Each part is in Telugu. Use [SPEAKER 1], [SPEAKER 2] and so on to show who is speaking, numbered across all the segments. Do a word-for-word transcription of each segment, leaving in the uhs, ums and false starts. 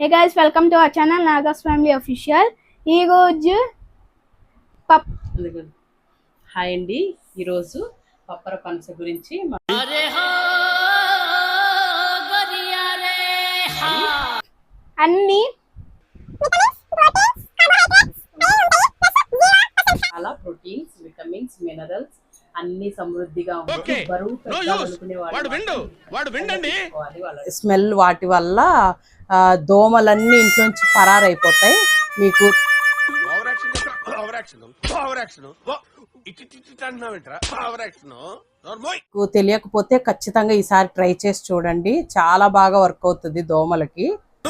[SPEAKER 1] Hey guys, welcome to our channel Nagas Family Official. ఈ రోజు పప్
[SPEAKER 2] హాయ్ అండి. ఈరోజు పప్పర పనస గురించి
[SPEAKER 1] అన్ని
[SPEAKER 2] చాలా ప్రోటీన్స్, విటమిన్స్, మినరల్స్ అన్ని సమృద్ధిగా ఉంటాయి. బరువు పెంచాలనుకునే వాళ్ళు స్మెల్ వాటి వల్ల దోమలన్నీ ఇంట్లోంచి పరారైపోతాయి. మీకు తెలియకపోతే ఖచ్చితంగా ఈసారి ట్రై చేసి చూడండి, చాలా బాగా వర్క్ అవుతుంది దోమలకి.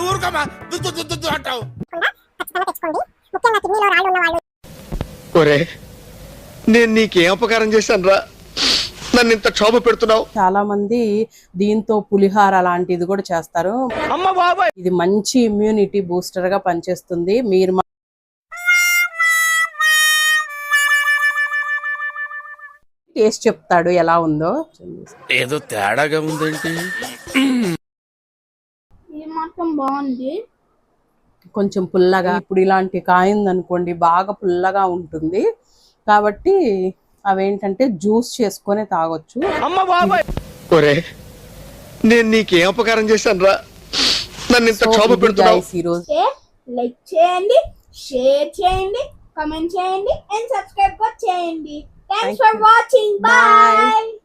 [SPEAKER 3] నేను నీకేం అపకారం చేశాను రా, నన్ను ఇంత క్షోభ పెడుతున్నావు.
[SPEAKER 2] చాలా మంది దీంతో పులిహార లాంటిది కూడా చేస్తారు. ఇది మంచి ఇమ్యూనిటీ బూస్టర్ గా పనిచేస్తుంది. మీరు టేస్ట్ చెప్తాడు ఎలా ఉందో.
[SPEAKER 3] ఏదో తేడాగా ఉందేంటి?
[SPEAKER 1] ఇది మాత్రం బాగుంది,
[SPEAKER 2] కొంచెం పుల్లగా. ఇప్పుడు ఇలాంటి కాయింది అనుకోండి బాగా పుల్లగా ఉంటుంది, కాబట్టి అవేంటంటే జ్యూస్ చేసుకొని తాగొచ్చు.
[SPEAKER 3] నేను నీకేం అపకారం చేశాను రా, నన్ను ఇంత క్షోభ పెడుతున్నావు.
[SPEAKER 2] ఈరోజు
[SPEAKER 1] లైక్ చేయండి, షేర్ చేయండి, కామెంట్ చేయండి అండ్ సబ్స్క్రైబ్ కూడా చేయండి. Thanks for watching. బై.